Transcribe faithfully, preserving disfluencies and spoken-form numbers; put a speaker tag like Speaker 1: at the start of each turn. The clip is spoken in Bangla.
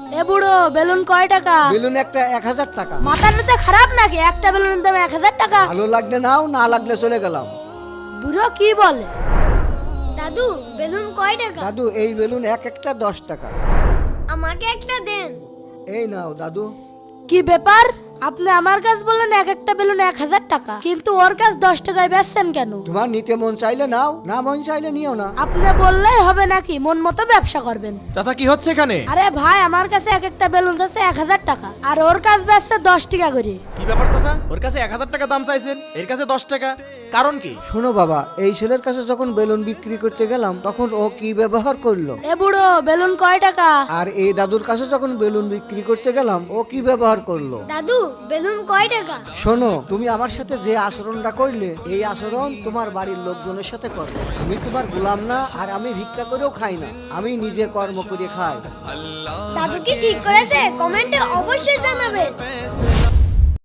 Speaker 1: এ বুড়ো বেলুন কয় টাকা?
Speaker 2: বেলুন একটা এক হাজার টাকা।
Speaker 1: মাথাটা খারাপ নাকি? একটা বেলুনের দাম এক হাজার টাকা?
Speaker 2: ভালো লাগলে নাও, না লাগলে চলে গেলাম।
Speaker 1: বুড়ো কি বলে?
Speaker 3: দাদু বেলুন কয় টাকা?
Speaker 2: দাদু এই বেলুন এক একটা দশ টাকা।
Speaker 3: আমাকে একটা দেন।
Speaker 2: এই নাও দাদু।
Speaker 1: কি ব্যাপার? আপনি আমার কাছে বললেন এক একটা বেলুন এক হাজার টাকা, কিন্তু ওর কাছে দশ টাকায় বেচছেন কেন?
Speaker 2: তোমার নিতে মন চাইলে নাও, না মন চাইলে নিও না।
Speaker 1: আপনি বললেই হবে নাকি মন মতো ব্যবসা করবেন?
Speaker 4: চাচা কি হচ্ছে এখানে?
Speaker 1: আরে ভাই, আমার কাছে এক একটা বেলুন আছে এক হাজার টাকা, আর ওর কাছে বেচছে দশ টাকা করে।
Speaker 4: কি ব্যাপার চাচা? ওর কাছে এক হাজার টাকা দাম চাইছেন, এর কাছে দশ টাকা, কারণ কি?
Speaker 2: শোনো বাবা, এই ছেলের কাছে যখন বেলুন বিক্রি করতে গেলাম তখন ও কি ব্যবহার করলো,
Speaker 1: এ বুড়ো বেলুন কয় টাকা?
Speaker 2: আর এই দাদুর কাছে যখন বেলুন বিক্রি করতে গেলাম ও কি ব্যবহার করলো।
Speaker 3: দাদু বেলুন কয় টাকা?
Speaker 2: শোনো, তুমি আমার সাথে যে আচরণটা করলে এই আচরণ তোমার বাড়ির লোকজনের সাথে করো। আমি তোমার গোলাম না, আর আমি ভিক্ষা করেও খাই না, আমি নিজে কর্ম করে খাই।
Speaker 3: দাদু কি ঠিক করেছে? কমেন্টে অবশ্যই জানাবেন।